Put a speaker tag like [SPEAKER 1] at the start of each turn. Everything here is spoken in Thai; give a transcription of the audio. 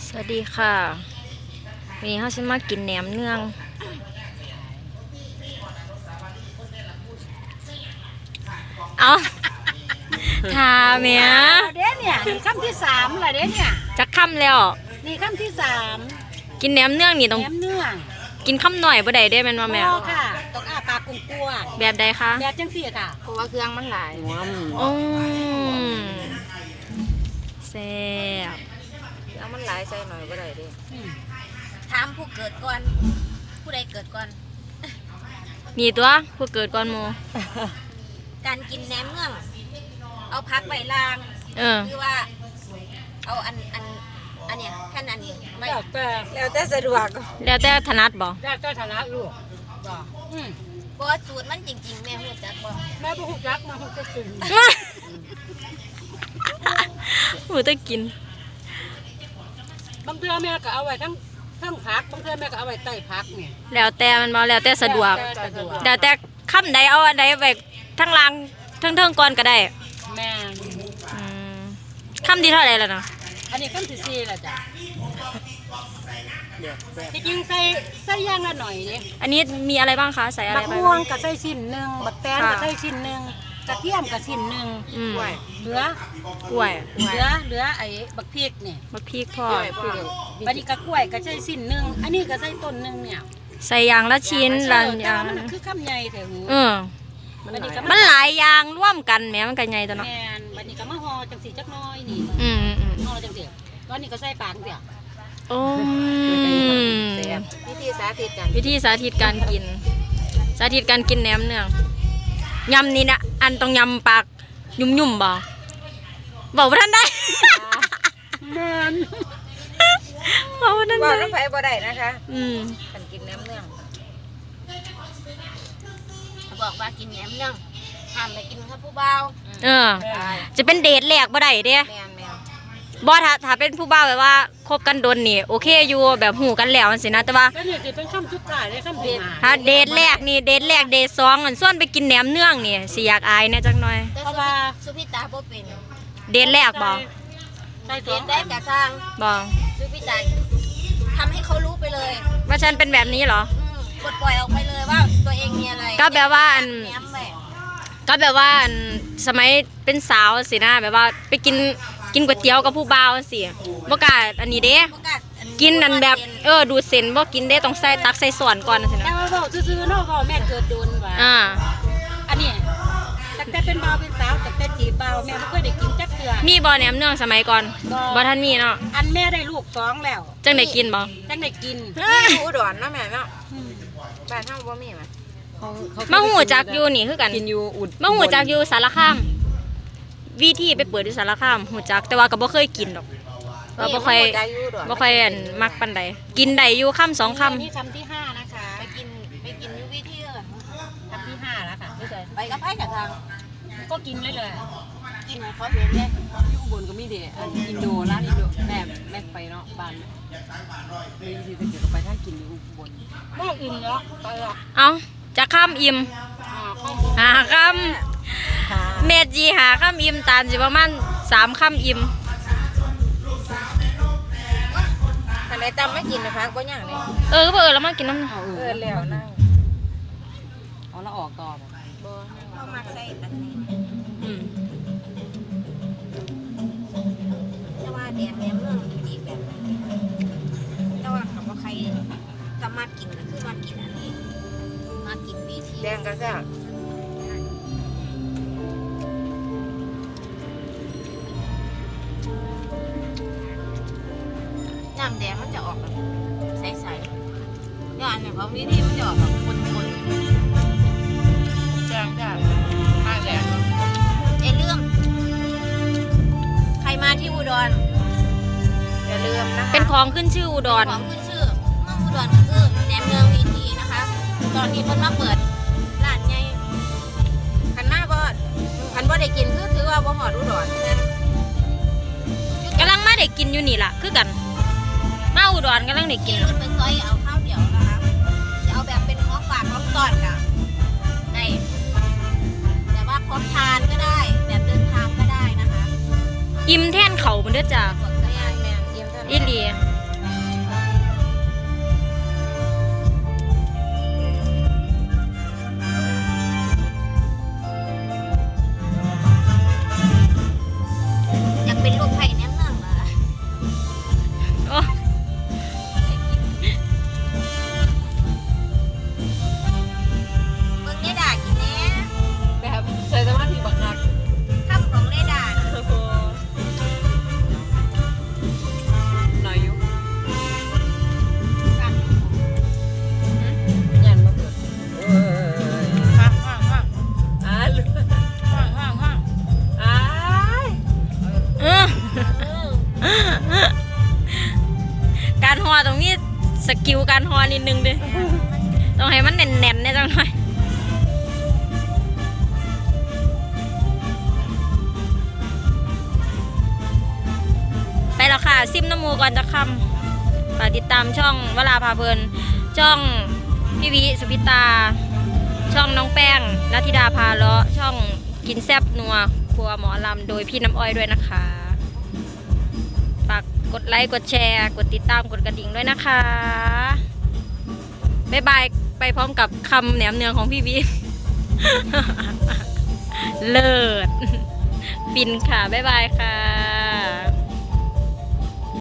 [SPEAKER 1] สวัสดีค่ะวันนี้เขาจะมากินแหนมเนืองเอาทาเมีย
[SPEAKER 2] เด้เนี่ยนี่คำที่สามละเด้เนี่ย
[SPEAKER 1] จะค่ำแล้ว
[SPEAKER 2] นี่คำที่สาม
[SPEAKER 1] กินแหนมเนืองนี่ต้อง
[SPEAKER 2] แหนมเนื้อ
[SPEAKER 1] กินค่ำหน่อยบ่ได้แม่นว่าแม่
[SPEAKER 2] ค่ะต้องอ้าปากกุ้งกลัว
[SPEAKER 1] แบบใดคะ
[SPEAKER 2] แบบจังสี่ค่ะเพราะว่าเครื่องมันหลาย
[SPEAKER 1] โอ้แซ่บ
[SPEAKER 2] เครื่องมันหลายใส่หน่อยบ่ได้เด้ถามผู้เกิดก่อนผู้ใดเกิดก่อน
[SPEAKER 1] มีตัวผู้เกิดก่อนโม
[SPEAKER 2] การกินแหนมเนืองเอาพักใบลางคือว่าเอาอันเนี้ยแค่นั้นเองแล้วแต่สะดวก
[SPEAKER 1] แล้วแต่ถนัดบ่
[SPEAKER 2] แล้วแต่ถนัดลูกบ่สูตรมันจริงๆแม่ฮู้จักบ่แม่บ่ฮู้จักมาฮู้จักกิน
[SPEAKER 1] ฮู้จักกิน
[SPEAKER 2] บางเทื่อแม่ก็เอาไว้ทั้งผักบางเทื่อแม่ก็เอาไว้ใต้ผักนี่
[SPEAKER 1] แล้วแต่มันบ่แล้วแต่สะดวกแล้วแต่คำใดเอาอันใดไว้ทั้งล่างทั้งเทิงก่อนก็ได้
[SPEAKER 2] แม่
[SPEAKER 1] คำที่เท่าไหร่แล้วนะ
[SPEAKER 2] อันนี้คำที่สี่แล้วจ้ะที่จริงใส่ย่างละหน่อยนี่
[SPEAKER 1] อันนี้มีอะไรบ้างคะใส่อะไร
[SPEAKER 2] บ้างบักม่วงกับใส่ชิ้นหนึ่งบักแตงกับใส่ชิ้นหนึ่งกระเทียมกับชิ้นหนึ่งเหลือกล้วยเหลือไอ้บักพริกเนี่ย
[SPEAKER 1] บักพริกพ่อ
[SPEAKER 2] บัดนี้กระกล้วยกับใส่ชิ้นหนึ่งอันนี้ก็ใส่ต้นหนึ่งเนี่ย
[SPEAKER 1] ใส่อย่างละชิ้นละอย่าง
[SPEAKER 2] มันคือคำใหญ่แต่หู
[SPEAKER 1] มันหลายอย่างร่วมกันแม้มันกันใหญ่ตัวเนาะ
[SPEAKER 2] แม่นบัดนี้ก็มาห่อจังสีจักน้อยนี่ห่อจังสีตอนนี้ก็ใส่ปากเสีย
[SPEAKER 1] โอ้
[SPEAKER 2] วิธีสาธิต
[SPEAKER 1] การกินสาธิตการกินแหนมเนืองยำนี่นะอันต้องยำปากยุ่มบ่บอกว่าท่านได้
[SPEAKER 2] มัน
[SPEAKER 1] บอกว่าท่านได้
[SPEAKER 2] บอกน้ำไผ่บ่ได้นะคะการกินแหนมเนืองบอกว่ากินแหนมเนืองห้ามไปกินกับผู้เบา
[SPEAKER 1] จะเป็นเดทแรกบ่ได้เด้บ่ถ้าเป็นผู้บ่าวแบบว่าคบกันโดนนี่โอเคอยู่แบบหูกันแล้วสินะแต่ว่า
[SPEAKER 2] เป็นคำสุดท้ายเลยคำเดท
[SPEAKER 1] ถ้าเดทแรกนี่เดทแรกเดทสองส่วนไปกินแหนมเนืองนี่สิอยากอายแน่จักหน่อย
[SPEAKER 2] เพราะว่าสุพิตาบ่เป็น
[SPEAKER 1] เดทแรกบ่
[SPEAKER 2] เดทได้กะสร้าง
[SPEAKER 1] บ่
[SPEAKER 2] สุพิตาทำให้เขารู้ไปเลย
[SPEAKER 1] ว่าฉันเป็นแบบนี้เหรอ
[SPEAKER 2] ปลดปล่อยออกไปเลยว่าตัวเองมีอะไร
[SPEAKER 1] ก็แบบว่าสมัยเป็นสาวสินะแบบว่าไปกินก๋วยเตี๋ยวกับผู้บ่าวสิบ่กล้าอันนี้เด้กินนั่นแบบดูเส้นบ่กินเด้ต้องใส่ตักใส่ส่วนก่อนสินะ
[SPEAKER 2] แต่ว่าบอกซื่อๆเนาะพ่อแม่เกิดโดนว่าอันนี้ตั้งแต่เป็นบ่าวเป็นสาวตั้งแต่จีบบ่าวแม่ไม่เคยได้กินจักเทื่อ
[SPEAKER 1] มีบ่แหนมเนืองสมัยก่อนบ่ทันมีเนาะ
[SPEAKER 2] อันแม่ได้ลูก2แล้ว
[SPEAKER 1] จังได้กินบ่
[SPEAKER 2] จังได้กินอุดรนะแม่เนาะบ้านเฮาบ่มีมั้ย
[SPEAKER 1] มาหูจักอยู่นี่คือกัน
[SPEAKER 2] กินอยู่อุด
[SPEAKER 1] มาหูจักอยู่สารคามวิธีไปเปิดอยู่สารคามหูจักแต่ว่าก็บ่เคยกินดอกว่าบ่ค่อยมักปานใดกินได้อยู่ค่ำ2ค่ำ
[SPEAKER 2] นี่คำที่5นะคะไปกินอยู่วิธีคำที่5แล้วค่ะไปกับไผกับทางก็กินเลยกินให้เขาเห็นเลย
[SPEAKER 3] ที่อุบลก็มีเด็อินโดร้านอินโดแม่ไปเนาะบ้านมีที่จะเกี่ยวกับไปถ้ากินอยู่อุบล
[SPEAKER 2] ก็อิ่มเนาะไปละ
[SPEAKER 1] เอาจะข้ามอิ่มหาข้ามเมจีหาข้ามอิ่มตามสิประมาณ3ข้ามอิ่ม
[SPEAKER 2] อันไหนตำไม่กินนะคะก็อย่างนี้
[SPEAKER 1] แล้วมากินน้ำ
[SPEAKER 2] แล้วนั่ง
[SPEAKER 3] เอาแล้วออกต่อ
[SPEAKER 2] บ่เอามาใส่อันนี้แต่ว่าแดดแหนมเนืองอีกแบบแต่ว่าคำว่าใครก็มากินก็คือมากินอันนี้มากินวิธีแดงก็แซ่บน้ำแดงมันจะออกแบบใสๆอย่างนี้ของวิธีมันจะออกแบบคนๆแดงจ้ะมาแดงเรื่องใครมาที่อุดรอย่าลืมนะคะ
[SPEAKER 1] เป็นของขึ้นชื่ออุดร
[SPEAKER 2] ของขึ้นชื่อเมืองอุดรก็คือแหนมเนืองวีทีนะคะตอนนี้เพิ่นมาเปิดร้านใหญ่คันมาบ่ได้กินคือถือว่าบ่ฮอดอุดร
[SPEAKER 1] กำลังมาได้กินอยู่นี่ล่ะคือกันมาอุดรกำลังได้กิน
[SPEAKER 2] รถไปซอยเอาข้าวเดียวนะคะจะเอาแบบเป็นของฝากของต้อนค่ะได้แต่ว่าพร้อมทานก็ได้แบบเดินทางก็ได้นะคะ
[SPEAKER 1] อิ่มแท่นเขามันเด้อจ้ะ
[SPEAKER 2] อิ่มแท่น
[SPEAKER 1] อีหลีการห่อตรงนี้สกิลการห่อนิดนึงดิต้องให้มันแน่นๆเนี่ยจังหน่อยไปแล้วค่ะซิมน้ำมูก่อนจะคำฝากติดตามช่องวลาพาเพลินช่องพี่วิสุพิตาช่องน้องแป้งนัทธิดาพาเลาะช่องกินแซบนัวครัวหมอลำโดยพี่น้ำอ้อยด้วยนะคะฝากกดไลค์กดแชร์กดติดตามกดกระดิ่งด้วยนะคะบ๊ายบายไปพร้อมกับคำแหนมเนืองของพี่วิ เลิศฟินค่ะบ๊ายบายค่ะ